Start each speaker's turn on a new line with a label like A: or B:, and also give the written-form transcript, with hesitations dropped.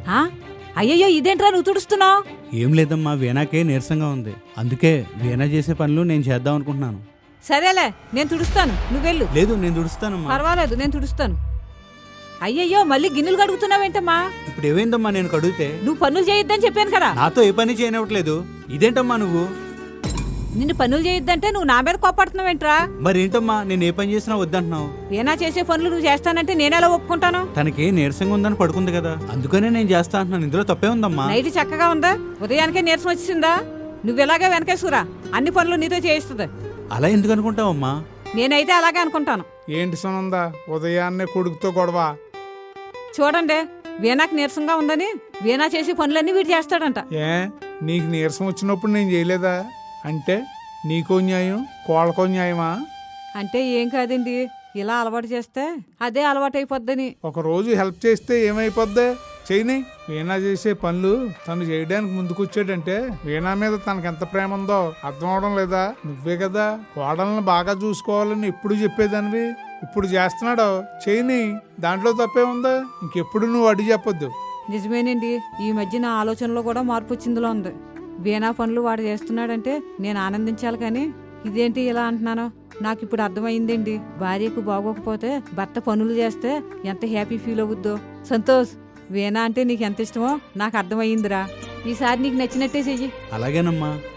A: ఆ? అయ్యయ్యో ఇదేంట్రా నువ్వు తుడుస్తున్నావు?
B: ఏం లేదమ్మా, వీణాకే నీరసంగా ఉంది. అందుకే వీణా చేసే పనులు నేను చేద్దాం అనుకుంటున్నాను.
A: సరేలే నేను తుడుస్తాను, నువ్వెళ్ళు.
B: లేదు, నేను తుడుస్తానమ్మా.
A: పర్వాలేదు, నేను తుడుస్తాను. అయ్యయ్యో మళ్ళీ గిన్నెలు కడుగుతున్నావేంటమ్మా?
B: ఇప్పుడు ఏమైందమ్మా నేను కడిగితే?
A: నువ్వు పనులు చేయొద్దని చెప్పాను కదా.
B: నాతో ఏ పని చేయనివ్వట్లేదు. ఇదేంటమ్మా నువ్వు?
A: నిన్ను పనులు చేయొద్దంటే నువ్వు నా మీద కోపడుతున్నావేంట్రా?
B: మరేంటమ్మా నేను ఏ పని చేసినా వద్దంటున్నావు?
A: వీణా చేసే పనులు నువ్వు చేస్తానంటే నేనెలా ఒప్పుకుంటాను?
B: తనకి నీరసంగా ఉందని పడుకుంది కదా, అందుకనే నేను చేస్తా అంటున్నాను. ఇందులో తప్పే ఉందమ్మా.
A: నైట్ చక్కగా ఉందా? ఉదయానికే నీరసం వచ్చేసిందా? నువ్వు ఇలాగే వెనకేసుకురా, అన్ని పనులు నీతో చేయిస్తుంది.
B: అలా ఎందుకు అనుకుంటావమ్మా?
A: నేనైతే అలాగే అనుకుంటాను.
C: ఏంటి సునందా ఉదయాన్నే కొడుకుతో గొడవ?
A: చూడండి, వీణాకి నీరసంగా ఉందని వీణా చేసే పనులన్నీ వీడు చేస్తాడంట.
C: ఏ నీకు నీరసం వచ్చినప్పుడు నేను చేయలేదా? అంటే నీకో న్యాయం కోళ్ళకో న్యాయమా?
A: అంటే ఏం కాదండి, ఇలా అలవాటు చేస్తే అదే అలవాటు అయిపోద్దని.
C: ఒకరోజు హెల్ప్ చేస్తే ఏమైపోద్ది? చేయని. వీణా చేసే పనులు తను చేయడానికి ముందుకొచ్చాడంటే వీణా మీద తనకెంత ప్రేమ ఉందో అర్థం అవడం లేదా? నువ్వే కదా కోడలను బాగా చూసుకోవాలని ఎప్పుడు చెప్పేదానివి. ఇప్పుడు చేస్తున్నాడో చేయని, దాంట్లో తప్పే ఉందా? ఇంకెప్పుడు నువ్వు అడిగి చెప్పొద్దు.
A: నిజమేనండి, ఈ మధ్య నా ఆలోచనలో కూడా మార్పు వచ్చిందిలో ఉంది. వీణా పనులు వాడు చేస్తున్నాడంటే నేను ఆనందించాలి, కానీ ఇదేంటి ఇలా అంటున్నాను? నాకు ఇప్పుడు అర్థమైందండి, భార్యకు బాగోకపోతే భర్త పనులు చేస్తే ఎంత హ్యాపీ ఫీల్ అవుద్దో. సంతోష్, వీణా అంటే నీకు ఎంత ఇష్టమో నాకు అర్థమయ్యిందిరా. ఈసారి నీకు నచ్చినట్టే చెయ్యి.
B: అలాగేనమ్మా.